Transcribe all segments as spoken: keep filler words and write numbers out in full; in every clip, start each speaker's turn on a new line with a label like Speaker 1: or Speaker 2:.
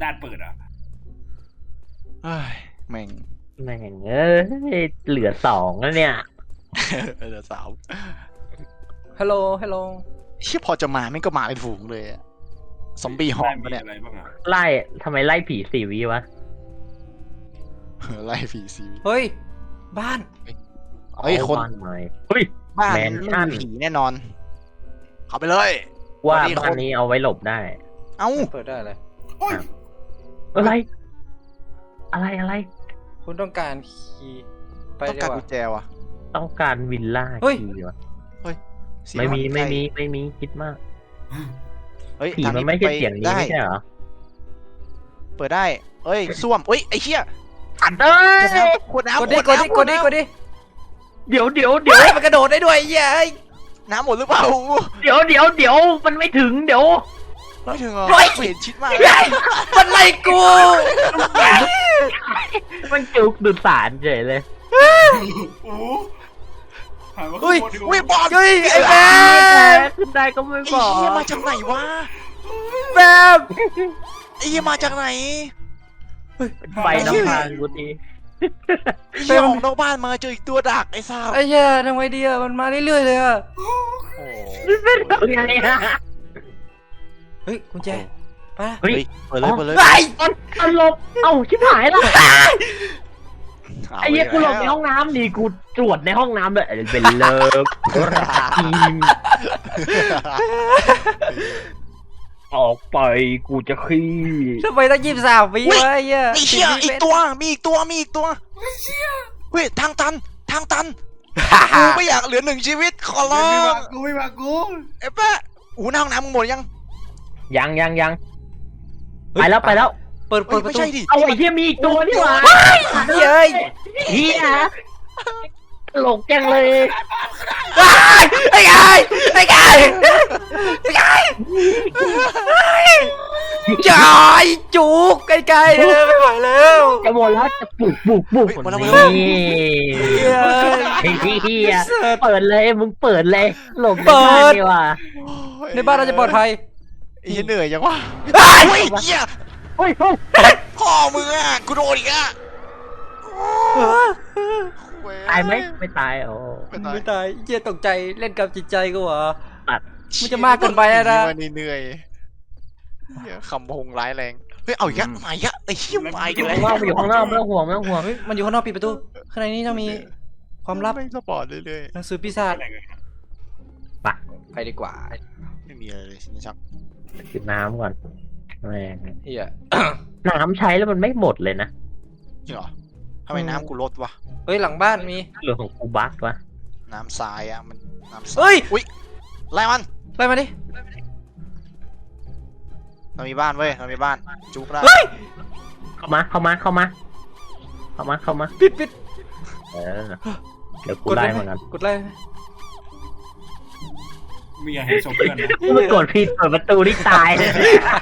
Speaker 1: าตเปิดอ่ะ
Speaker 2: เฮ้ยแม่ง
Speaker 3: แม่งเอ้ยเหลือสองแล้วเนี่ย
Speaker 2: เหลือสาม
Speaker 4: ฮัลโหลฮัลโหล
Speaker 2: เชี่ยพอจะมาไม่ก็มาเป็นฝูงเลยซอมบี้หอมปะเนี่ย
Speaker 3: ไล่ทำไมไล่ผีสี่วิวะ
Speaker 2: ไล่ผีซี
Speaker 4: เฮ้ยบ้าน
Speaker 2: เฮ้ยคน
Speaker 3: เฮ้ย
Speaker 2: บ้านไม่มีผีแน่นอนเข้าไปเลย
Speaker 3: ว่าบ้านนี้เอาไว้หลบได้
Speaker 2: เอ้า
Speaker 4: เปิดได้เลย
Speaker 3: อะไรอะไรอะไร
Speaker 4: คุณต้องการคีย์ไป
Speaker 2: ต้องการกุญแจวะ
Speaker 3: ต้องการวิลล่าคีย์วะ
Speaker 2: เฮ้ย
Speaker 3: ไม่มีไม่มีไม่มีคิดมาก
Speaker 2: เฮ้ย
Speaker 3: ผีมันไม่ใช่เสียงนี้ไม่ใช่เหรอ
Speaker 2: เปิดได้เอ้ยส้วมเอ้ยไอ้เชี่ย
Speaker 3: อัดเอ้ย
Speaker 2: กดน้ำ
Speaker 4: กดดิกดดิกดดิกดดิ
Speaker 3: เดี๋ยวเดี๋ยวเดี๋ยว
Speaker 4: มันกระโดดได้ด้วยเย้ย
Speaker 2: น้ำหมดหรือเปล่า
Speaker 3: เดี๋ยวเดี๋ยวเดี๋ยวมันไม่ถึงเดี๋ยว
Speaker 2: ไม่ถึงเหรอเห็นชิดมาก
Speaker 4: มันไล่กู
Speaker 3: มันจุกดูดสารเฉยเลย
Speaker 1: โอ้
Speaker 2: เฮ้ยเฮ้ยบอล
Speaker 4: เฮ้ยไอ้แบม
Speaker 3: ขึ้นได้ก็ไม่บอก
Speaker 2: ไอ้เหี้ยมาจากไหนวะ
Speaker 4: แบม
Speaker 2: ไอ้เหี้ยมาจากไหน
Speaker 3: ไปน้ำทางกูที
Speaker 2: ไอ้เหี้ยออกนอกบ้านมาเจออีกตัวดักไอ้ซ่า
Speaker 4: ไอ้เหี้ยทำไงดีอะมันมาเรื่อยๆเลยอะ
Speaker 3: เป็นไงอะ
Speaker 4: เฮ้ยกุญแจไป
Speaker 2: เฮ้ยเปิดเลยเปิดเลย
Speaker 4: ไอ้
Speaker 3: ตลบเอ้าชิบหายแล้วไอ้เหี้ยกูหลบในห้องน้ำดีกูตรวจในห้องน้ำเลยเป็นเลิฟทีมออกไปกูจะขี้
Speaker 4: ทำไมต้องยิบสามวิวะไอ้เหี้ย
Speaker 2: มีเชี่ยอีกตัวมีอีกตัวมีอีกตัวเฮ้ยทางตันทางตันกูไม่อยากเหลือหนึ่งชีวิตขอร้อง
Speaker 1: กูไม่มากู
Speaker 2: เอ๊ะแปะอู้หน้าห้องน้ำมึงหมดยัง
Speaker 3: ยังยังยังไปแล้วไปแล้ว
Speaker 4: เปิดเปิดประตู
Speaker 3: เอาไอ้เหี้ยมีอีกตัวนี่หว่า
Speaker 4: เฮ้ย
Speaker 3: เหี้ยตลกจังเลย
Speaker 4: ไอ้ไก่ไอ้ไก่ไอ้ไก่จอยจุกไอ้ไก่ไม่ไหวแล้ว
Speaker 3: จะหมดแล้วจะปลุกปลุกปลุกนี่ไอ้เหี้ยเปิดเลยมึงเปิดเลยหลบในบ้านดีกว่า
Speaker 4: ในบ้านเราจะปลอดภัย
Speaker 2: ไอ้เหนื่อยยังวะเฮ้ยเหี้ย
Speaker 3: เฮ้ย
Speaker 2: พ่อมึงอ่ะกูโดนอีกอ่ะ
Speaker 3: ตายไหมไม่ตายโอ้
Speaker 4: ไม่ตายเจี๊ยตกใจเล่นกับจิตใจกูเหรอมันจะมากเกินไปแล้วนะ
Speaker 2: เหนื่อยคำพงร้ายแรงเฮ้ยเอาอีกแล้วมาอีกแล้วไอ้เหี้ยมาอีกแล้ว
Speaker 3: มันอยู่ข้างนอกไม่ต้องห่วงไม่ต้องห่วง
Speaker 4: มันอยู่ข้างนอกปิดประตูข้างในนี้ต้องมีความลับ
Speaker 2: ไม่สปอร์ตเรื่อย
Speaker 4: ๆหนังสือปีศาจ
Speaker 3: ไป
Speaker 4: ไปดีกว่า
Speaker 2: ไม่มีอะไรเลยนี่ชัก
Speaker 3: กินน้ำก่อนแม่
Speaker 4: เฮีย
Speaker 3: น้ำใช้แล้วมันไม่หมดเลยนะ
Speaker 2: จริงเหรอทำไมน้ำกูลดวะ
Speaker 4: เฮ้ยหลังบ้านมี
Speaker 3: เรื่องของกูบักวะ
Speaker 2: น้ำทรายอ่ะมันน้ำทราย
Speaker 4: เฮ้ย
Speaker 2: อุ้ยไล่มัน
Speaker 4: ไล่มาดิ
Speaker 2: เรามีบ้านเว้ยเรามีบ้านจุกได้
Speaker 3: เข้ามาเข้ามาเข้ามาเข้ามาเข้ามา
Speaker 4: ปิดปิด
Speaker 3: เออเดี๋ยวกูไล่เหมือนกัน
Speaker 4: กดไล่
Speaker 1: มีอย่างให้ชมเพื่อนนะ
Speaker 3: กูไม่กดผิดเปิดประตูนี่ตายเลย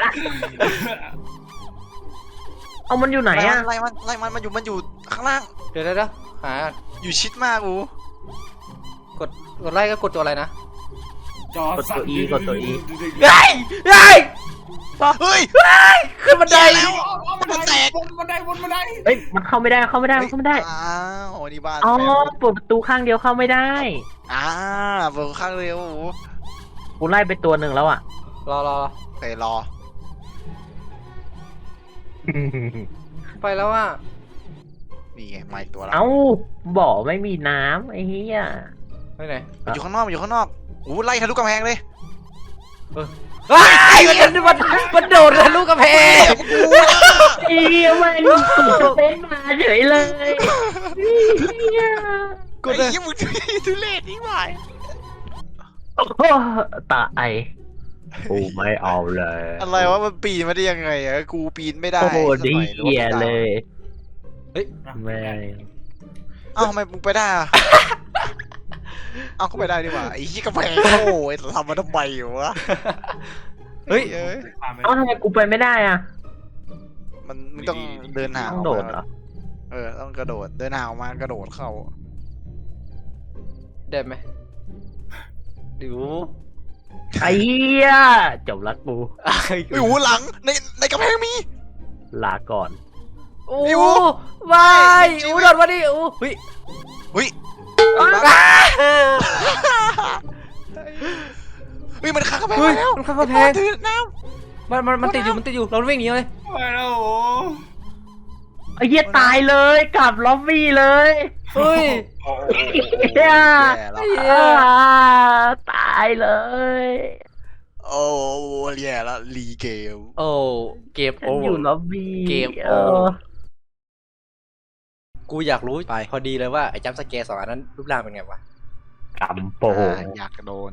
Speaker 3: เอามันอยู่ไหนอะ
Speaker 2: ไล่มันไล่มันมันอยู่มันอยู่ข้างล่าง
Speaker 4: เดี๋ยวเดี๋ยวหา
Speaker 2: อยู่ชิดมากกู
Speaker 4: กดกดไล่ก็กดตัวอะไรนะ
Speaker 1: จอก
Speaker 3: ดตัว E กดตัว E
Speaker 4: เฮ้ยเฮ้ย
Speaker 2: เฮ้ย
Speaker 4: ขึ้นบันได
Speaker 2: แล้วมันแตก
Speaker 1: บนบันไดบนบันได
Speaker 3: เฮ้ยมันเข้าไม่ได้เข้าไม่ได้เข้าไม่ได้
Speaker 2: อ้าวนี่บ้าน
Speaker 3: อ๋อเปิดประตูข้างเดียวเข้าไม่ได้
Speaker 2: อ่าเปิดข้างเดียว
Speaker 3: กูไล่ไปตัวหนึ่งแล้วอ่ะ
Speaker 4: รอรอ
Speaker 2: ไปรอ
Speaker 4: ไปแล้วอ่ะ
Speaker 2: นี่ไงไม่ตัวละ
Speaker 3: เอ้าบ่อไม่มีน้ำไอ้เหี้ย
Speaker 4: ไปไหน
Speaker 2: มันอยู่ข้างนอกมันอยู่ข้างนอกอู้ไล่ทะลุกำแพงเลย
Speaker 4: เออไอ้มันมันมันโดดทะลุกำแพง
Speaker 3: ไอ้เหี้ยมันตุ่เต้นมาเฉยเลย
Speaker 2: กูไอ้ยี่มึงทุเรศนี่หว่า
Speaker 3: ตาไอกูไม่เอาเลย
Speaker 2: อะไรวะมันปีนมาได้ยังไงอะกูปีนไม่ได้
Speaker 3: โอ้โหดีเหี้ยเลย
Speaker 4: เฮ้ย
Speaker 3: แม่
Speaker 2: เอ้าทำไมมึงไปได้อะเอ้าก็ไปได้ดีกว่าไอ้ที่กำแพงโอ้ยทำมาทำไมอยู่วะ
Speaker 4: เฮ้ย
Speaker 3: เอ้าทำไมกูไปไม่ได้อ่ะ
Speaker 2: มันมึงต้องเดินหา
Speaker 3: ต้องโดดเหรอ
Speaker 2: เออต้องกระโดดเดินหาวมากระโดดเข้า
Speaker 4: ได้ไหมดู
Speaker 3: ไอ้เหี้ยจบรักกู
Speaker 2: ไอ้หูหลังในในกำแพงมี
Speaker 3: ลาก่อน
Speaker 4: โอ้วายอู้โดนมาดิอู้เฮ้ย
Speaker 2: เฮ้ยเฮ้ยมันข้างกำแพง
Speaker 4: เฮ้ย
Speaker 2: มาแล้ว
Speaker 4: มันข้างกำแพง
Speaker 2: ถือน้
Speaker 4: มันมันมันติดอยู่มันติดอยู่เราวิ่งหนีเลย
Speaker 1: ไปแล้วโอ้
Speaker 3: ไอ้เหี้ยตายเลยกลับล็อบบี้เลย
Speaker 4: เฮ้ย
Speaker 2: ำ
Speaker 3: เหี้ย
Speaker 2: แย่แล้ว
Speaker 4: เหี้ย
Speaker 3: อ่าตายเลย
Speaker 2: โอ้แย่แล้วรีเกม
Speaker 4: โอ้เก็บ
Speaker 3: ฉั
Speaker 4: โอ้
Speaker 3: นอยู่ล็อบบี้
Speaker 4: เกม
Speaker 3: เอ
Speaker 4: โอ้
Speaker 3: อ
Speaker 4: กูอยากรู้ไปพอดีเลยว่าไอ้จัมป์สแกร์สองอันนั้นรูปร่างเป็นไงวะ
Speaker 3: กำโป
Speaker 2: อ่าอยากโดน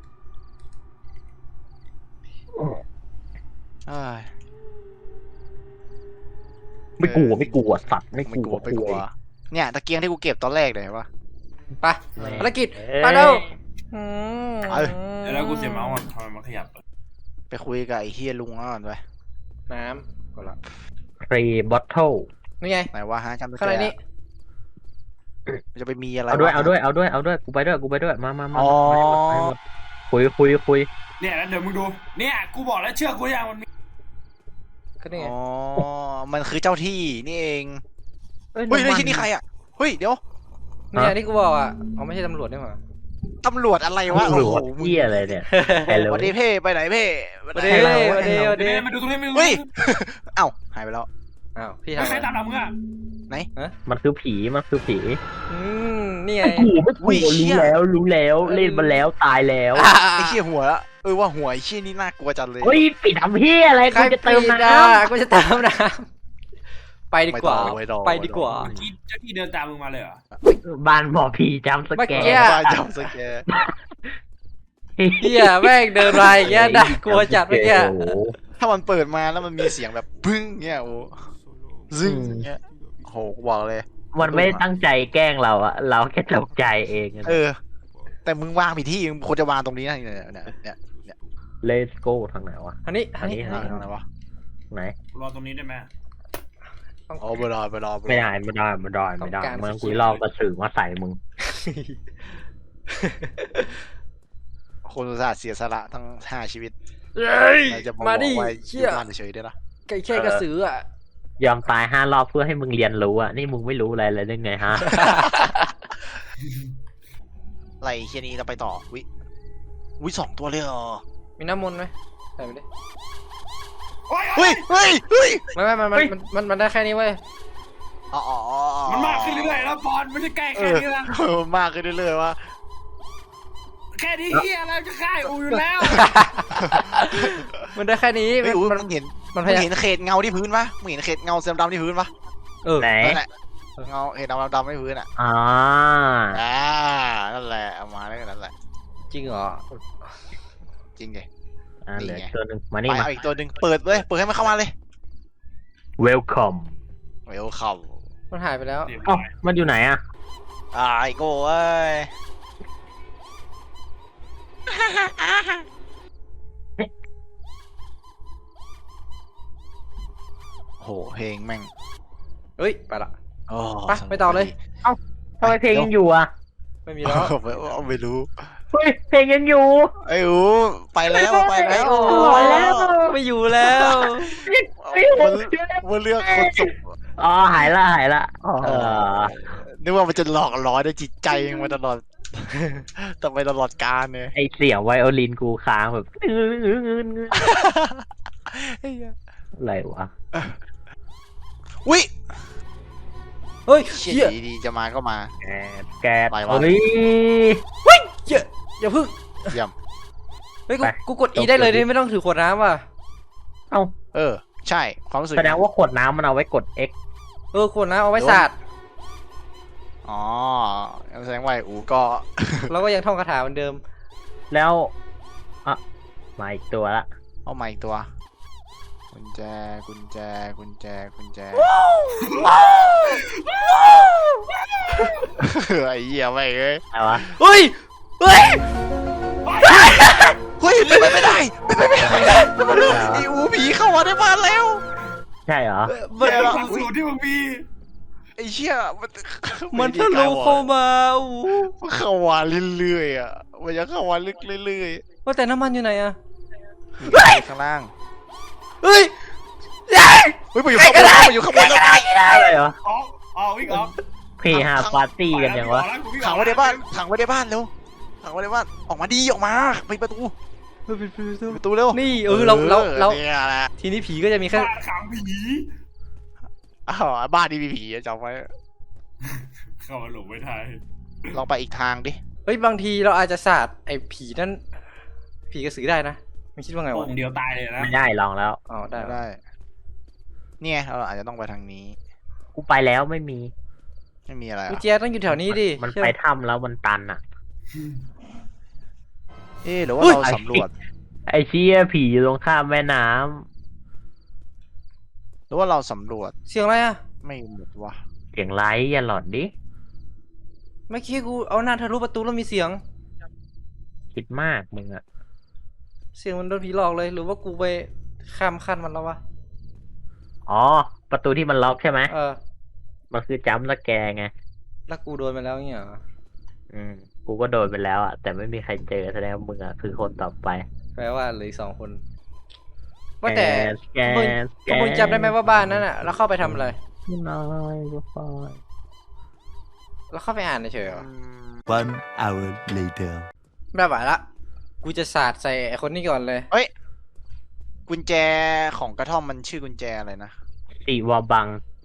Speaker 2: เอ้ย
Speaker 3: ไม่กลัวไม่กลัวสัตว์ไม่
Speaker 2: ไม่
Speaker 3: ก
Speaker 2: ก
Speaker 3: ลั
Speaker 2: ลั
Speaker 3: ว
Speaker 2: วไม่กลัวเนี่ยตะเกียงที่กูเก็บตอนแรกเลยเห็นปะ
Speaker 4: ไป
Speaker 3: แม่
Speaker 4: ภารกิจ
Speaker 3: เอ้ย
Speaker 4: ไปแล้วอืม
Speaker 2: เอ้ย
Speaker 1: เดี๋ยวแล้วกูเสียเมาส์อ่ะทำไมมันขยับอะ
Speaker 2: ไปคุยกับไอ้เฮียลุงก่อนไป
Speaker 4: น้ำก็ละ
Speaker 3: ครีบอทเทิล
Speaker 4: นี่ไง
Speaker 2: ไหนวะฮะจำได้
Speaker 4: ข้างในนี้
Speaker 2: มันจะไปมีอะไร
Speaker 3: เอาด้วย
Speaker 2: วะ
Speaker 3: เอาด้วยเอาด้วยเอาด้วยกูไปด้วยกูไปด้วยมามามา
Speaker 2: อ๋อ
Speaker 3: มาให้หมดให้หมดคุยคุยคุย
Speaker 1: เนี่ยแล้วเดี๋ยวมึงดูเนี่ยกูบอกแล้วเชื่อกูยังมันมี
Speaker 4: ก็นี่ไง
Speaker 2: อ๋อมันคือเจ้าที่นี่เอง
Speaker 3: เฮ้ย
Speaker 2: เฮ้ย
Speaker 3: น้ำ
Speaker 2: เฮ้ย
Speaker 3: มัน
Speaker 2: ที่นี่ใครอ่ะเฮ้ยเดี๋ยว
Speaker 4: นี่ไงที่กูบอกอ่ะเขาไม่ใช่ตำรวจนี่หว่า
Speaker 2: ตำรวจอะไรวะ
Speaker 3: ตำรวจ
Speaker 2: โอ้โห
Speaker 3: เหี้ยอะไรเนี่ยฮัลโหล
Speaker 2: สวัสดีเพ่ไปไหนเพ่
Speaker 4: สวัสดีสวัสดีสวัส
Speaker 1: เดี๋
Speaker 4: ดี
Speaker 1: ยวมาดูตรงนี้ไม่รู้
Speaker 2: เฮ้ยเอ้าหายไปแล้ว
Speaker 4: อ้าวพี่
Speaker 1: ไม่
Speaker 4: ทำ
Speaker 1: ใคร
Speaker 4: อะไร
Speaker 1: ตามหลังมึงอ่ะ
Speaker 3: มันคือผีมันคือผี
Speaker 4: อืมนี่ไง
Speaker 3: ไม่กลัวไม่กลัว
Speaker 2: อุ้ยเชี่
Speaker 3: รู้
Speaker 2: ย
Speaker 3: แล้วรู้แล้วเล่นมาแล้วตายแล้ว
Speaker 2: ไอ้เชี่ยหัวละเออว่าหัวไอ้เชี่ยนี่น่ากลัวจังเลย
Speaker 3: เฮ้ยปิดทำเฮียอะไร
Speaker 4: ใคร
Speaker 3: กูจะเติม
Speaker 4: ปี
Speaker 3: น้
Speaker 4: อ่ะกูจะเติมน้ำไปดีกว่า
Speaker 2: ม่ต้อง
Speaker 4: ไปดีกว่า
Speaker 1: เมื่อกี้เจ้าที่เดินตามมึงมาเลยเหรอ
Speaker 3: ำบ้านหมอผีจำส
Speaker 4: เมื่อ
Speaker 3: แก
Speaker 4: กี้
Speaker 3: น
Speaker 2: บ้าจำสแกร์
Speaker 4: เฮียแม่งเดินมาอย่างเงี้ยน่ากลัวจัดเมื่อกี้
Speaker 3: โอ้โห
Speaker 2: ถ้ามันเปิดมาแล้วมันมีเสียงแบบบึ้งเงี้ยโอ้ซึงเงี้ยโหกูบอกเลย
Speaker 3: มันไม่ได้ตั้งใจแกล้งเราอะเราแค่ตกใจเองอะ
Speaker 2: เออ แต่มึงวางผิดที่มึงควรจะวางตรงนี้นะเนี่ยเนี่ยเนี่ยเนี่ย
Speaker 3: Let's go ทางไหนวะ
Speaker 4: อันนี้อันนี้
Speaker 3: อั
Speaker 2: ทางไหนวะ
Speaker 3: ไหน
Speaker 1: รอตรงนี้ได้ไหม
Speaker 4: ต้อง
Speaker 2: อ๋อไปรอไปรอปรอ
Speaker 3: ไม่ได้ไม่ได้ไม่ได้ไม่ได้
Speaker 4: ต้องการ
Speaker 3: เมื่อ
Speaker 4: สีเขี
Speaker 3: คุ
Speaker 4: ย
Speaker 3: ยว ลอกกระสือมาใส่มึง
Speaker 2: คนอุตส่าห์เสียสละทั้งห้าชีวิต
Speaker 4: เฮ้ย
Speaker 2: เราจะมา
Speaker 4: มา
Speaker 2: บ
Speaker 4: ดิ
Speaker 2: อกว่า
Speaker 4: เชี่ย
Speaker 2: บ้านเฉยๆได้ละ
Speaker 4: ไก่แค่กระสืออ่ะ
Speaker 3: ยอมตายห้ารอบเพื่อให้มึงเรียนรู้อะนี่มึงไม่รู้อะไรเลยได้ไงฮะ
Speaker 2: ไรเชียนี้เราไปต่อวิวิสองตัวเลยเหรอ
Speaker 4: มีน้ำมนต์ไหมใส่ไปดิ
Speaker 1: โอ้ย
Speaker 2: เฮ้ยเฮ้ยเฮ้ย
Speaker 4: ไม่ไม่มันมันมันมันมันได้แค่นี้เว้ย
Speaker 2: อ๋ออ๋ออ๋อ
Speaker 1: มันมากขึ้นเรื่อยๆแล้วบอลไม่ใช่ใกล้
Speaker 2: เอ
Speaker 1: แค่
Speaker 2: อ
Speaker 1: นี้ละ
Speaker 2: เออมากขึ้นเรื่อยๆว่า
Speaker 1: แค่นี้เฮียอะไรจะฆ่าอูอยู่แล้ว
Speaker 4: มันได้แค่นี้
Speaker 2: เฮ้ย
Speaker 4: มัน
Speaker 2: อุ้ย
Speaker 4: มัน
Speaker 2: มึงเห็น
Speaker 4: มันพ
Speaker 2: มึง
Speaker 4: ยายาม
Speaker 2: เห็นเขตเงาที่พื้นปะมึงเห็นเขตเงาเส้นดำที่พื้นปะ
Speaker 4: เออ
Speaker 3: ไหน
Speaker 2: นั่นแหละเงาเขตดำดำๆที่พื้นอ่ะ
Speaker 3: อ่า
Speaker 2: อ่านั่นแหละเอามาแล้วนั่นแหละ
Speaker 4: จริงเหรอ
Speaker 2: จริงไง
Speaker 3: อ่าเหลือ
Speaker 2: นี่ไง
Speaker 3: ตัวหนึ่งมา
Speaker 2: ไป
Speaker 3: นี่มา
Speaker 2: เอาอีกตัวหนึ่งเปิดเลยเปิดให้มันเข้ามาเลย
Speaker 3: welcome
Speaker 2: เวลคัม
Speaker 4: มันหายไปแล้ว
Speaker 3: เอ้ามันอยู่ไหนอะ
Speaker 2: อ่าไอโก้เอ้ยโหเพลงแม่ง
Speaker 4: เฮ้ยไปละ
Speaker 2: โอ้
Speaker 4: ไปไปต่อเลย
Speaker 3: ทำไมเพลงยังอยู่อะ
Speaker 4: ไม่มีแล้ว
Speaker 2: ไม่ไม่รู้
Speaker 3: เฮ้ยเพลงยังอยู่
Speaker 2: ไอ้อูไปแล้วไปแล้ว
Speaker 3: โอ้ยแล้ว
Speaker 4: ไม่อยู่แล้ว
Speaker 3: ไม่อยู่
Speaker 2: มันมันเลือกคนสุข
Speaker 3: อ๋อหายละหายละเออ
Speaker 2: นึกว่ามันจะหลอกหลอนในจิตใจมึงมาตลอด ต่อไปตลอดกาลเนี่ย
Speaker 3: ไอเสียงไวโอลินกูค้างแบบอะไรวะ
Speaker 2: อุ้ย
Speaker 4: เฮ้ย
Speaker 2: เชี่
Speaker 4: เหี้ย
Speaker 2: ยดีๆจะมาก็มา
Speaker 3: แกดแกด
Speaker 2: อะไรวะ
Speaker 3: เฮ้ย
Speaker 4: เหี้ยอย่าพึ่ง
Speaker 2: เยี่ยม
Speaker 4: เฮ้ยกู
Speaker 3: ไป
Speaker 4: กูกด E ได้เลยนี่ไม่ต้องถือขวดน้ำว่ะ
Speaker 3: เอ้า
Speaker 2: เออ ใช่ความรู้สึก
Speaker 3: แสดงว่าขวดน้ำมันเอาไว้กด X
Speaker 4: เออขวดน้ำเอาไว้สาด
Speaker 2: อ๋อแสดงว่าไอ้อูก็
Speaker 4: เราก็ยังท่องคาถาเหมือนเดิม
Speaker 3: แล้วอ่ะมาอีกตัวละ
Speaker 2: เอาใหม่ตัวกุญแจกุญแจกุญแจกุญแจไอ้เหี้ยไม่เอ้ย
Speaker 3: อะไรวะ
Speaker 4: เฮ้ยเฮ้ย
Speaker 2: เฮ้ยเป็นไปไม่ได้เป็นไปไม่ได้เป็นไปไม่ได้ไอ้อูผีเข้ามาในบ้านแล้ว
Speaker 3: ใช่เหรอ
Speaker 4: มัน
Speaker 1: เดี๋ยวความสูตรที่มึงมี
Speaker 2: ไอ้เชี่ยมัน
Speaker 4: มันทะลุเข้ามาอู้
Speaker 2: มันเข้ามาเรื่อยๆอ่ะมันจะเข้ามาลึกเรื่อย
Speaker 4: ว่าแต่น้ำมันอยู่ไหนอะ
Speaker 2: ๆข้างล่าง
Speaker 4: เฮ้ย
Speaker 2: เฮ้ยมันอยู่ข้างบนมันอยู่ข้างบนแล้ว
Speaker 3: อะไรเหรอ
Speaker 1: ออกออกวิ่งออก
Speaker 3: เพย์ฮาปาร์ตี้กันยังวะ
Speaker 2: ขังไว้ในบ้านขังไว้ในบ้านเร็วขังไว้ในบ้านออกมาดีออกมาไปประตู
Speaker 4: เฮ้ยปิดประตู
Speaker 2: ประตูเร็ว
Speaker 4: นี่เออเราเราเรา
Speaker 2: เนี่ยแหละ
Speaker 4: ทีนี้ผีก็จะมีแค่
Speaker 1: บ้านขังผี
Speaker 2: อ้าวบ้านนี่มีผีจำไว้
Speaker 1: เข้ามาหลบไว้ไทย
Speaker 2: ลองไปอีกทางดิ
Speaker 4: เฮ้ยบางทีเราอาจจะสาดไอ้ผีนั่นผีกระสือได้นะไม่คิดว่าไง
Speaker 1: โป่
Speaker 4: วะ
Speaker 1: งเดียวตายเลยนะ
Speaker 3: ไม่ได้ลองแล้ว
Speaker 4: อ๋อได้
Speaker 2: ได้ เนี่ยเราอาจจะต้องไปทางนี้
Speaker 3: กูไปแล้วไม่มี
Speaker 2: ไม่มีอะไร
Speaker 4: กุญ
Speaker 2: อ่ะ
Speaker 4: แจต้องอยู่แถวนี้ดิ
Speaker 3: มัน
Speaker 4: เชื่อ
Speaker 3: ไปถ้ำแล้วมันตันอ่ะ
Speaker 2: เอ๊ะหรือว่าเราสำรวจ
Speaker 3: ไอ้เชี่ยผีอยู่ตรงข้ามแม่น้
Speaker 2: หรือว่าเราสำรวจ
Speaker 4: เสียงอะไรอ่ะ
Speaker 2: ไม่หมดวะ
Speaker 3: ำเสียงไลท์อย่าหลอนดิ
Speaker 4: เมื่อกี้กูเอาหน้าทะลุประตูแล้วมีเสียง
Speaker 3: คิดมากมึงอ่ะ
Speaker 4: เสียงมันโดนผีหลอกเลย หรือว่ากูไปข้ามขั้นมันแล้ววะ
Speaker 3: อ๋อ ประตูที่มันล็อกใช่ไหม
Speaker 4: เออ
Speaker 3: มันคือจัมป์สแกร์ไง
Speaker 4: แล้วกูโดนไปแล้วเนี่ยเหรอ
Speaker 3: อืม กูก็โดนไปแล้วอ่ะ แต่ไม่มีใครเจอแสดงว่ามึงอ่ะคือคนต่อไป
Speaker 4: แปลว่าเหลืออีกสองคน ว่าแต่
Speaker 3: แก
Speaker 4: มึง
Speaker 3: แก
Speaker 4: มึงจำได้ไหมว่าบ้านนั้นอ่ะเราเข้าไปทำอะไร
Speaker 3: น้อยก็พอ
Speaker 4: เราเข้าไปอ่านเฉยๆเหรอ
Speaker 5: One hour later.
Speaker 4: ไม่ไหวละ กูจะสาดใส่ไอ้คนนี้ก่อนเลย
Speaker 2: เฮ้ยกุญแจของกระท่อมมันชื่อกุญแจอะไรนะ
Speaker 3: สีวาบัง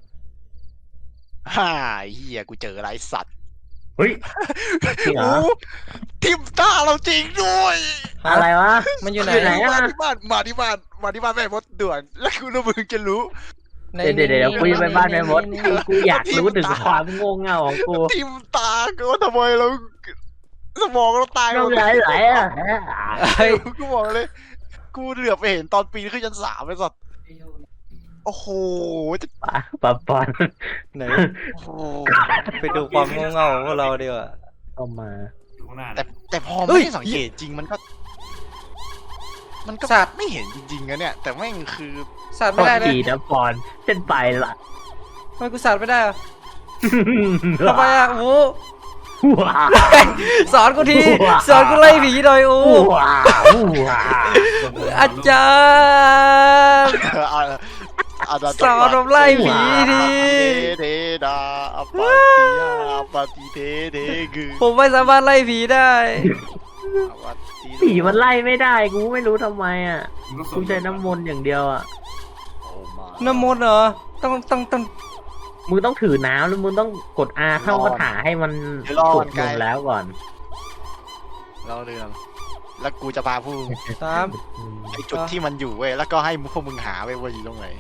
Speaker 2: ฮ่าเฮียกูเจออะไรสัตว์
Speaker 3: เฮ้ย จริงเหรอ
Speaker 2: โทิมตาเราจริงด้วย
Speaker 3: อะไรวะ
Speaker 4: มันอยู่ไหน
Speaker 3: อยู่ไหน
Speaker 2: มาที่บ้านมาที่บ้านมาที่บ้านแม่มดด่วนแล้วคุณรู้มึงจะรู้
Speaker 4: ใน
Speaker 3: เดี๋ยวเดี๋ยวเดี๋ยวกูจะไปบ้านแม่มดกูกูอยากรู้ถึงความโง่เง่าของกู
Speaker 2: ทิมตาก็ว่าทำไมเราสมองเราตาย
Speaker 3: ต้องไหลไหลอ่ะ
Speaker 4: เฮ้ย
Speaker 2: กูบอกเลย กูเหลือบไปเห็นตอนปีนขึ้นชั้นสามไปสัตว์โอ้โหจะ
Speaker 3: ปะปะปอน
Speaker 4: ไหน
Speaker 2: โอ้โห
Speaker 4: ไปดูความโง่เง่าของพวกเราดีกว่า
Speaker 3: เข้ามา
Speaker 1: อยู่ข้างหน้า
Speaker 2: แต่แต่พอ
Speaker 4: เฮ้
Speaker 2: ไม่
Speaker 4: ย
Speaker 2: ได้สังเกตจริงมันก็ มันก็
Speaker 4: สัตว์
Speaker 2: ไม่เห็นจริงๆนะเนี่ย แต่แม่งคือ
Speaker 4: สาด
Speaker 3: โท
Speaker 4: ไม่
Speaker 3: ษ
Speaker 4: ได้เลย
Speaker 3: ทีนะปอนเส้นไปละ
Speaker 4: ทำไมกูสาดไม่ได้อะทำไมอ่ะโอ้
Speaker 3: ว้า
Speaker 4: สอนกูที สอนกูไล่ผีหน่อยโอ้
Speaker 3: ว้าว้า
Speaker 4: อาจารย์
Speaker 2: เอาเอาเอา
Speaker 4: สอนผมไล่ผีดิ
Speaker 2: เทดาอปาติยาปฏิเทเดกือ
Speaker 4: ผมไม่สามารถไล่ผีได้
Speaker 2: อวัตติ
Speaker 3: ผีมันไล่ไม่ได้กูไม่รู้ทำไมอ่ะ
Speaker 1: มึงก็
Speaker 3: กูใช้น้ำมนต์อย่างเดียวอ่ะ
Speaker 2: โอ้มา
Speaker 4: น้ำมนต์เหรอ ต้องต้องต้อง
Speaker 3: มึงต้องถือน้ำแล้วมึงต้องกด R เข้ากระถาให้มันสุกลงแล้วก่อน
Speaker 2: เราเรื่องแล้วกูจะพาผู้
Speaker 4: สาม
Speaker 2: ไอจุดที่มันอยู่เว้ยแล้วก็ให้พวกมึงหาเว้ยว่าอยู่ตรงไหน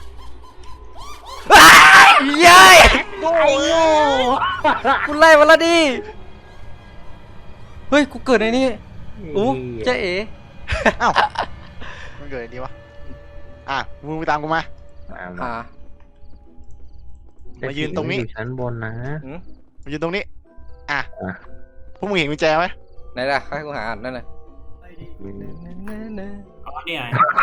Speaker 4: เย้ย
Speaker 3: ไอ้โง่
Speaker 4: กูไล่มาแล้วดิ เฮ้ย กูเกิดในนี้อู้เจ๊เอ๋
Speaker 2: อ้าวมันเกิดอะไรดีวะอ่ะมึงไปตามกูมา
Speaker 4: อ่า
Speaker 2: มายืนตรงนี้
Speaker 3: อยู่ชั้นบนนะ
Speaker 4: หืม
Speaker 2: มายืนตรงนี้ อ่ะ
Speaker 3: อ่ะ
Speaker 2: พวกมึงเห็นกุญแจไหม
Speaker 4: ไหนล่ะให้กูหาอ่านนั่นน่ะ
Speaker 1: อ๋อเนี่ย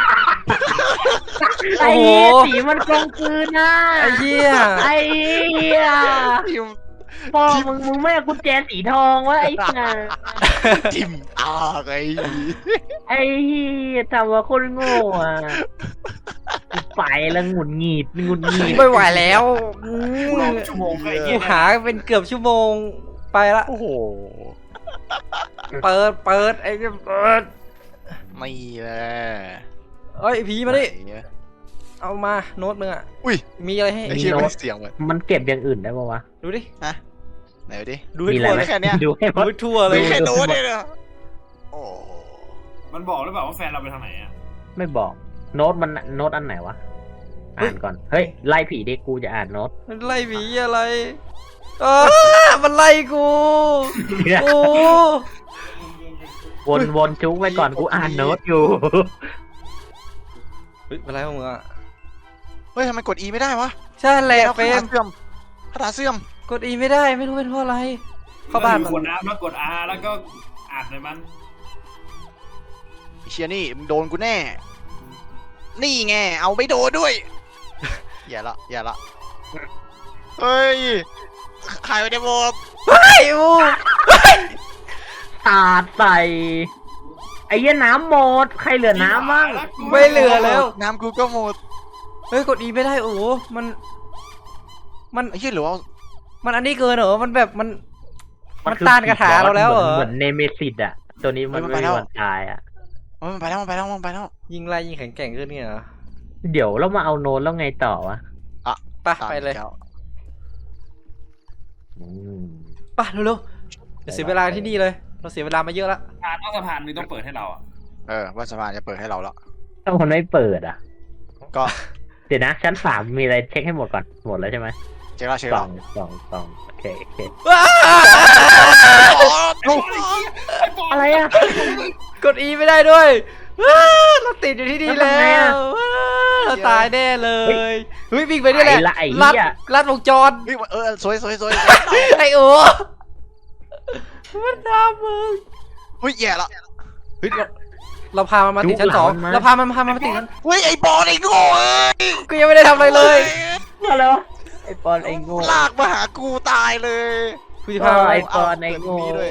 Speaker 3: ไอ้
Speaker 4: โอ้โห
Speaker 3: เหี้ยสีมันกลมกลืนนะ
Speaker 4: ไอ้เหี้ย
Speaker 3: ไอ้เหี้ย
Speaker 2: ทิม
Speaker 3: ปอมึงมึงไม่เอากุญแจสีทองวะไอ้ห่า
Speaker 2: ทิมตาไง
Speaker 3: ไอ้เหี้ยทำว่าคนโง่อ่ะกูไปแล้วหงุดหงิดหงุดหงิด
Speaker 4: ไม่ไหวแล้วอื
Speaker 1: กูรอ
Speaker 4: ม
Speaker 1: ชั่วโมงไอ้
Speaker 4: กู
Speaker 1: เหี้ย
Speaker 4: หาเป็นเกือบชั่วโมงไปละ
Speaker 2: โอ้โห
Speaker 4: เปิดเปิดไอ้เหี้ยเปิด
Speaker 2: ไม่แหละ
Speaker 4: เอ้ยผีมาดิ
Speaker 2: ไหนอะ
Speaker 4: เอามาโน้ตมึงอ่ะ
Speaker 2: อุ้ย
Speaker 4: มีอะไรให้
Speaker 2: ไอ้เชี่ยมันเสียงเหมือน
Speaker 3: มันเก็บอย่างอื่นได้ปะวะ
Speaker 4: ดูดิ
Speaker 2: ฮะไหนดูดิ
Speaker 4: ดูให้
Speaker 3: มีอะไร
Speaker 4: ทั่ว
Speaker 3: ไหม
Speaker 4: เลย
Speaker 2: แค่เนี้ย
Speaker 3: ดูให้หม
Speaker 4: ดู
Speaker 3: ด
Speaker 4: ให้ทั่วเล
Speaker 2: ไม่
Speaker 4: ย
Speaker 2: แค่โน้ตเลยนะโอ้โห
Speaker 1: มันบอกหรือเปล่าว่าแฟนเราไปทางไหนอ่ะ
Speaker 3: ไม่บอก โน้ตมันโน้ตอันไหนวะ อ่านก่อน เฮ้ย ไล่ผีดิกูจะอ่านโน้ต
Speaker 4: มันไล่ผีอะไรอ้ามันไล่กูโอ้
Speaker 3: วนวนจุ๊กไว้ก่อนกูอ่านโน้ตอยู่
Speaker 4: เฮ้ยเป็นไรของมึงอ่ะ
Speaker 2: เฮ้ยทำไมกด E ไม่ได้วะ
Speaker 4: ใช่แหละ
Speaker 2: แล้ว
Speaker 4: เฟร
Speaker 2: คาม ถาเสื่อมคาถาเสื่อม
Speaker 4: กดอีไม่ได้ไม่รู้เป็นเพราะอะไร เข้าบ้าน
Speaker 1: ก
Speaker 4: มั
Speaker 1: ด
Speaker 4: น
Speaker 1: อาแล้วกด R แล้วก็อ่านในมัน
Speaker 2: ไอ้เชียนี่มึงโดนกูแน่ นี่ไงเอาไม่โดนด้วย อย่าละอย่าละเฮ้ยขายไปได้หมด
Speaker 4: ไอ้โอ้
Speaker 3: สาดใส่ ไอ้เหี้ยน้ำหมด ใครเหลือน้ำบ้าง
Speaker 4: ไม่เหลือแล้ว
Speaker 2: น้ำกูก็หมด
Speaker 4: เฮ้ยกดอีไม่ได้โอ้โหมันมัน
Speaker 2: ไอ้เหี้ยหรือว่า
Speaker 4: มันอันนี้เกินเหรอมันแบบมัน มัน
Speaker 3: คือ
Speaker 4: ต้านคาถาเราแล้วเหรอ
Speaker 3: เหมือนเนเมซิสอะตัวนี้มันไม่มีวันตายอะ
Speaker 2: เฮ้ยมันไปแล้วมันไปแล้วมันไปแล้ว
Speaker 4: ยิงไล่ยิงแข็งแกร่งขึ้นเนี่ยเหรอ
Speaker 3: เดี๋ยวเรามาเอาโน้ตแล้วไงต่อวะ
Speaker 4: ไปไปเลย
Speaker 2: ตาม
Speaker 3: อืม
Speaker 4: ไปเร็วๆอย่าเสียเวลาที่นี่เลยเราเสียเวลามาเยอะแล้ว
Speaker 1: สะพานนอกสะพานมึงต้องเปิดให้เราอ่ะ
Speaker 2: เออว่าสะพานจะเปิดให้เราแล้ว
Speaker 3: ถ้ามันไม่เปิดอะ
Speaker 2: ก็
Speaker 3: เดี๋ยวนะชั้นสามมีอะไรเช็คให้หมดก่อนหมดแล้วใช่ไหม
Speaker 2: เช็คแล้วเช็ค
Speaker 3: ส
Speaker 2: แล้
Speaker 3: อ
Speaker 2: ว
Speaker 3: งสองสองโอเคโอเค อะไรอะ
Speaker 4: กดอีไม่ได้ด้วยว้าเราติดอยู่ที่นี่แล้วว้าเราตายแน่เลยเฮ้ยวิ่งไปนี่แหละ
Speaker 3: ไอ้ละไอ้
Speaker 4: ลัด
Speaker 3: เหี้ย
Speaker 4: ลัดวงจร
Speaker 2: เฮ้ยเออสวยสวยสวย
Speaker 4: ไอ้โอ้มันทำมึง
Speaker 2: เฮ้ยแย่ละ
Speaker 4: เฮ้ยเราเราพามันมาติดชั้นสองเราพามันพามันมาติดชั้น
Speaker 2: เฮ้ยไอ้บอลไอ้โง่เอ้ย
Speaker 4: กูยังไม่ได้ทำอะไรเลย
Speaker 3: อะไรวะไอ้ปอนไอ้โง่
Speaker 2: ลากมาหากูตายเลย
Speaker 4: กูจะพามัน
Speaker 3: ไอ้
Speaker 4: ไป
Speaker 3: ปอนไอ้โง่
Speaker 2: เปิดตรงนี้ด้วย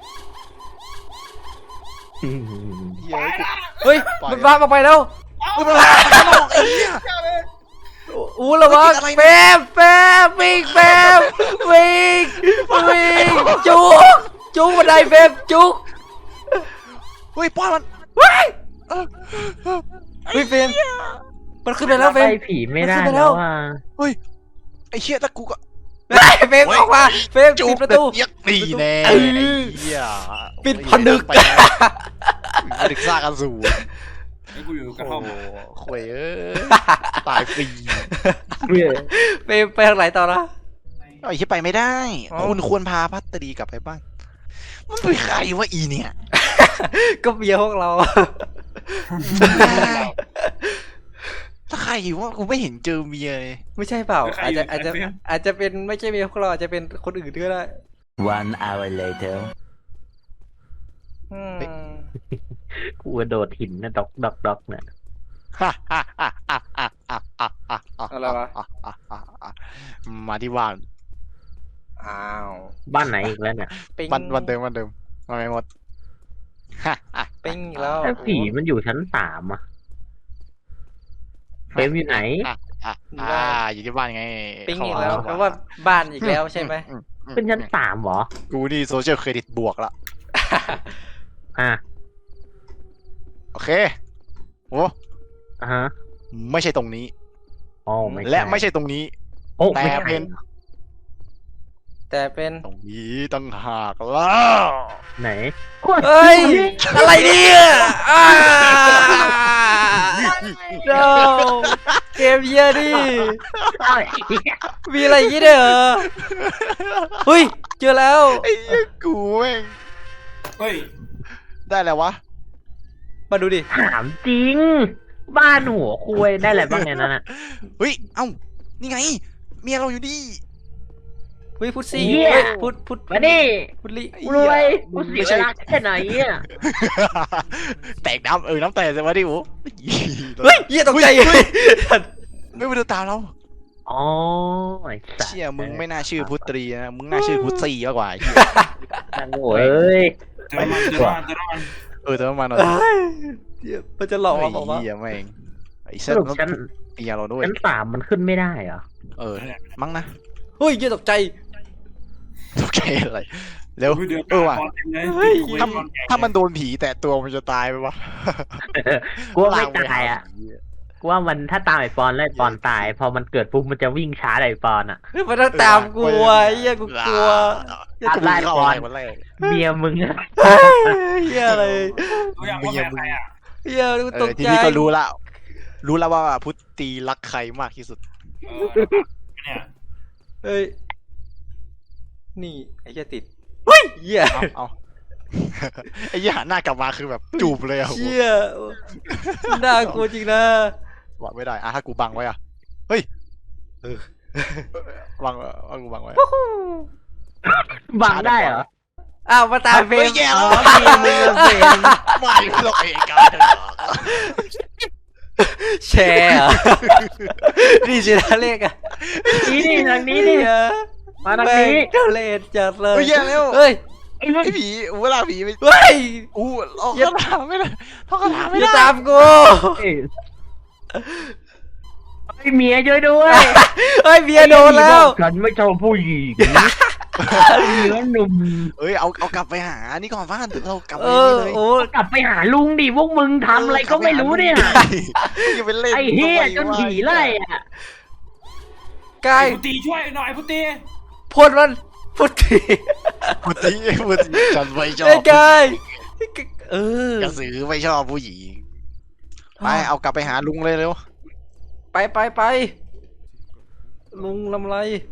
Speaker 3: อืม
Speaker 2: เฮ้ย
Speaker 4: เฮ้ยมันพามาไปแล้ว
Speaker 2: กูมาหาข้างนอกไอ้เหี้ย
Speaker 4: อู้ระวัง
Speaker 2: ติดอะไร
Speaker 4: เฟมเฟมวิ่งเฟมวิ่งวิ่งจุกจุกบันไดเฟมจุก
Speaker 2: เฮ้ยป้อนมัน
Speaker 4: ว้าย
Speaker 2: เออเออ
Speaker 4: เฮ้ยเฟมมันขึ้นไปแล้วเฟ
Speaker 3: ไป
Speaker 4: ม
Speaker 3: ผีไม่ได้
Speaker 4: มันขึ้นไปแล้
Speaker 3: แล้ว วอ่ะ
Speaker 2: เฮ้ยไอ้เชี่ยตะกูก็
Speaker 4: เฮ้ยเฟมออกมาเฟมปิดประตู
Speaker 2: เย็กตีแน่
Speaker 4: เอ
Speaker 2: ไอ้
Speaker 4: อ
Speaker 2: เหี้ย
Speaker 4: ปิดผนึก
Speaker 2: ไปผนึกซากอสูร
Speaker 1: ไอ้กูอยู่กระท่อม
Speaker 2: โอ้โหข่วยเอ้ยตายฟรี
Speaker 4: เฟมไปทางไหนต่อนะ
Speaker 2: ไอ้เหี้ยไปไม่ได้
Speaker 4: อ๋อ
Speaker 2: คุณควรพาพัตรีกลับไปบ้านมันเป็นใครวะอีเนี่ย
Speaker 4: ก็เมียพวกเรา
Speaker 2: ถ้าใครวะกูไม่เห็นเจอเมียเลย
Speaker 4: ไม่ใช่เปล่าอาจจะอาจจะอาจจะเป็นไม่ใช่เมียพวกเราอาจจะเป็นคนอื่นก็ได้
Speaker 5: One hour later.
Speaker 4: อืม
Speaker 3: กูกระโดดหินนะดอกดอกดอกเนี่ย
Speaker 4: อะไรวะ
Speaker 2: มาที่บ้าน
Speaker 4: อ้าว
Speaker 3: บ้านไหนอีกแล้วเนี่ย
Speaker 4: ปิ๊ง
Speaker 2: วันวันเดิมวันเดิมมาไม่หมด
Speaker 4: ปิ๊งอีกแล้ว
Speaker 3: แต่ผีมันอยู่ชั้นสามอ่ะเฟรมอยู่ไหน
Speaker 2: อ่ะอ่ะอ่าอยู่ที่บ้านไง
Speaker 4: ปิ๊งอีกแล้วแปลว่าบ้านอีกแล้วใช่ไหม
Speaker 2: อืมอืม
Speaker 3: เป็นชั้นสามเหรอ
Speaker 2: กูนี่โซเชียลเครดิตบวกละ
Speaker 3: อ่ะ
Speaker 2: โอเคโอ้
Speaker 3: อ่ะฮะ
Speaker 2: ไม่ใช่ตรงนี้
Speaker 3: อ๋อไม่ใช่
Speaker 2: และไม่ใช่ตรงนี้
Speaker 3: โอ้
Speaker 2: แต่
Speaker 3: ไม่ใช่
Speaker 2: เป็น
Speaker 4: แต่เป็น
Speaker 2: ตรงนี้ตั้งหากแล้ว
Speaker 3: ไหน
Speaker 4: เฮ้ยอะไรเนี่ยอ้า no เกมเยี่ยดิ
Speaker 3: อ้าวไอ้เหี้ย
Speaker 4: มีอะไรอย่างงี้ด้วยเหรอเฮ้ยเจอแล้ว
Speaker 2: ไอ้เหี้ยกูแม่ง
Speaker 1: เฮ้ย
Speaker 2: ได้แล้ววะ
Speaker 4: มาดูดิ
Speaker 3: ถามจริง บ้านหัวคุยได้อะไรบ้างในนั้นอ่ะ
Speaker 2: เฮ้ยเอ้านี่ไงเมียเราอยู่นี่
Speaker 4: เฮ้ยพุทซี่
Speaker 3: เหี้ย
Speaker 4: เฮ้ยพุทพุท
Speaker 3: มาดิ
Speaker 4: พุทลิ
Speaker 3: รวยกูเสียเวลาแค่ไหนอ่ะ
Speaker 2: แตกน้ำเออน้ำแตกใช่ไหมดิโอ้
Speaker 4: เฮ้ยเหี้ยตกใจ
Speaker 2: เฮ้ยไม่ไปดูตามเรา
Speaker 3: อ๋อไอ้สัส
Speaker 2: เชี่ยมึงไม่น่าชื่อพุตรีนะมึงน่าชื่อพุตซีมากกว่าไอ้เหี้ย
Speaker 3: นางโง่เอ้ย
Speaker 1: เจอมันเจอมันเจอมัน
Speaker 2: เออแต่ว่ามันหน่อย
Speaker 4: เฮ้ยเดี๋ยวมันจะหลอกเราบอกว่า
Speaker 2: ไอ้เหี้ยแม่งไอ้
Speaker 3: ส
Speaker 2: เส้น
Speaker 3: รุป
Speaker 2: ต้อง
Speaker 3: ชั้น
Speaker 2: เมียเราด้วย
Speaker 3: ชั้นสามมันขึ้นไม่ได้เหรอ
Speaker 2: เออมั้งนะ
Speaker 4: เฮ้ยเหี้ยตกใจ
Speaker 2: โอเคอะไรเร็ว
Speaker 1: เดือด
Speaker 2: เออว่ะ
Speaker 4: เฮ้ย
Speaker 2: ถ้าถ้ามันโดนผีแต่ตัวมันจะตายไหมวะ
Speaker 3: กูว่าไม่ตายอ่ะกูว่ามันถ้าตามไอปอนแล้วไอปอนตาย พอมันเกิดปุ๊บมันจะวิ่งช้าไอปอนอ่ะ
Speaker 4: มันต้องตามกูอ่ะไอ้เหี้ยกูกลัว
Speaker 2: เหี้ยกูวิ่งเข้าอะไรวันแรก
Speaker 3: เมียมึงอะ
Speaker 4: เฮ้ยเหี้ยอะไร
Speaker 1: รู้ยังว่าแพ้ใครอ่ะ
Speaker 4: เหี้ยกู
Speaker 2: เอ
Speaker 4: ต
Speaker 2: อก ที
Speaker 4: ใจ
Speaker 2: นี้ก็รู้ละรู้แล้วว่าพุตตีรักใครมากที่สุด
Speaker 1: เออเนี่ย
Speaker 4: เฮ้ยนี่ไอ้เหี้ยติดเฮ้ยเหี้ย
Speaker 2: เอาเอาไอ้ยี่หันหน้ากลับมาคือแบบจูบเลยอะ
Speaker 4: เหี้ยน่ากลัวจริงนะ
Speaker 2: บอกไม่ได้อะถ้ากูบังไว้อะเฮ้ยเออบังว่ากูบังไว้
Speaker 3: บังได้เหรอ
Speaker 4: อ้าวมาตามเฟร
Speaker 2: เฮ้
Speaker 4: ม
Speaker 2: ยแย่
Speaker 3: อ๋
Speaker 2: แล้
Speaker 3: อ
Speaker 2: ว
Speaker 3: เมียมึงอะเฟรม
Speaker 2: ไม่หรอกเอกา
Speaker 4: แชร์เหรอนี่สินะเลขอะ
Speaker 3: นี่นี่ทางนี้นี่ มาทางนี้
Speaker 4: แม่เจ้าเลนจัดเลย
Speaker 2: เฮ้ยแย่แล้ว
Speaker 4: เฮ้ย
Speaker 3: ไอ้เรื่อง
Speaker 2: ไอ้ผีเวลาผีไป
Speaker 4: เฮ้ย
Speaker 2: อู้เอาคาถาไม่ได้เอาคาถาไม่
Speaker 4: อย่า
Speaker 2: ได้
Speaker 4: ตามกู
Speaker 3: เอ้ยไอ้เมียช่วยด้วย
Speaker 4: เฮ้ยเบียร์โดนแล้ว
Speaker 3: ฉันไม่ชอบผู้หญิงเนื้อหนุ่ม
Speaker 2: เอ้ยเอาเอากลับไปหานี่ก่อนว่านเรากลับไป
Speaker 4: เอ
Speaker 2: นี่
Speaker 4: อ
Speaker 2: เลย
Speaker 4: โอ้
Speaker 3: กลับไปหาลุงดิพวกมึงทำอะไรก็ไม่รู้เนี่ย
Speaker 2: อย่าไปเล่น
Speaker 3: ไอ้เฮียจนผีไล่อะ
Speaker 4: กาย
Speaker 1: พุตีช่วยหน่อยพุตี
Speaker 4: พ่นมันพุทธี
Speaker 2: พุทธิพุทธิฉันไม่ชอ
Speaker 4: ไอ้
Speaker 2: บ
Speaker 4: กายเออก
Speaker 2: ระสือไม่ชอบผู้หญิงไปเอากลับไปหาลุงเลยเร็ว
Speaker 4: ไปไปไปลุงลำไร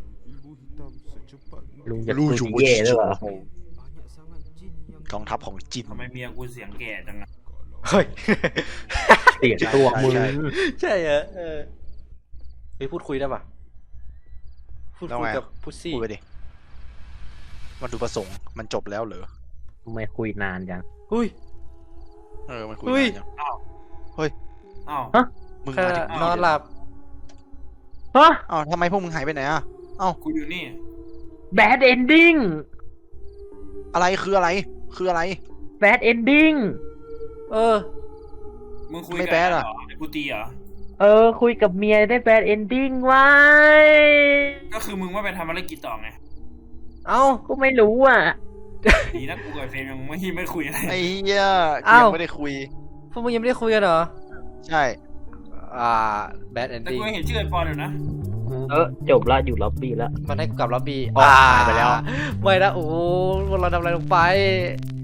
Speaker 3: ลุงจะพูดถึงเย่ด้วยเหรอก
Speaker 2: องทัพของจิน
Speaker 1: ทำไมเมียกูเสียงแก่จังอะ
Speaker 4: เฮ้ย
Speaker 3: เสียตัวมึง
Speaker 2: ใช่
Speaker 4: ใช่เหรอเออไปพูดคุยได้ปะพูดคุยกับพุซซี่
Speaker 2: พูดไปดิมันดูประสงค์มันจบแล้วเหรอ
Speaker 3: ทำไมคุยนานจัง
Speaker 4: อุ้ย
Speaker 2: เออมันคุย
Speaker 4: อุ้ย
Speaker 2: นานยัง
Speaker 1: อ้าว
Speaker 2: มึง
Speaker 4: แค่
Speaker 2: มาถึง
Speaker 4: นอนหลับ
Speaker 3: ฮะ
Speaker 2: อ้าวทำไมพวกมึงหายไปไหนอ่ะ
Speaker 1: กูอยู่นี่
Speaker 3: แบดเอนดิ้ง
Speaker 2: อะไรคืออะไร คืออะไร
Speaker 3: แบดเอนดิ้ง
Speaker 4: เออ
Speaker 1: มึงคุย
Speaker 2: ไม่
Speaker 1: กับ
Speaker 2: แบด
Speaker 1: เหร
Speaker 2: อะ
Speaker 1: อไอ้พุตีเหรอ
Speaker 3: เออคุยกับเมียได้แบดเอนดิ้งไว้
Speaker 1: ก็คือมึงว่าไปทำอะไรกิจต่อไง
Speaker 4: เอ้า
Speaker 3: ก็ไม่รู้อ่ะ
Speaker 1: ดีนะกูกับเฟรมยังไม่ไม่คุยอะไร
Speaker 2: ไอ้เหี้ยกู
Speaker 4: อ้าว
Speaker 2: ยังไม่ได้คุย
Speaker 4: พวกมึงยังไม่ได้คุยกันเหรอ
Speaker 2: ใช่
Speaker 4: อ่าแบดแอน
Speaker 1: แต่
Speaker 4: ดี้
Speaker 1: กูยังเห็นชื่อไอ้ปอนอยู่นะ
Speaker 3: เออจบละอยู่ล็อบบี้ละ
Speaker 4: มันให้กูกลับล็อบบี้
Speaker 2: ออกหายไปแล้ว
Speaker 4: ไม่นะโอ้โหพวกเราทำอะไรลงไป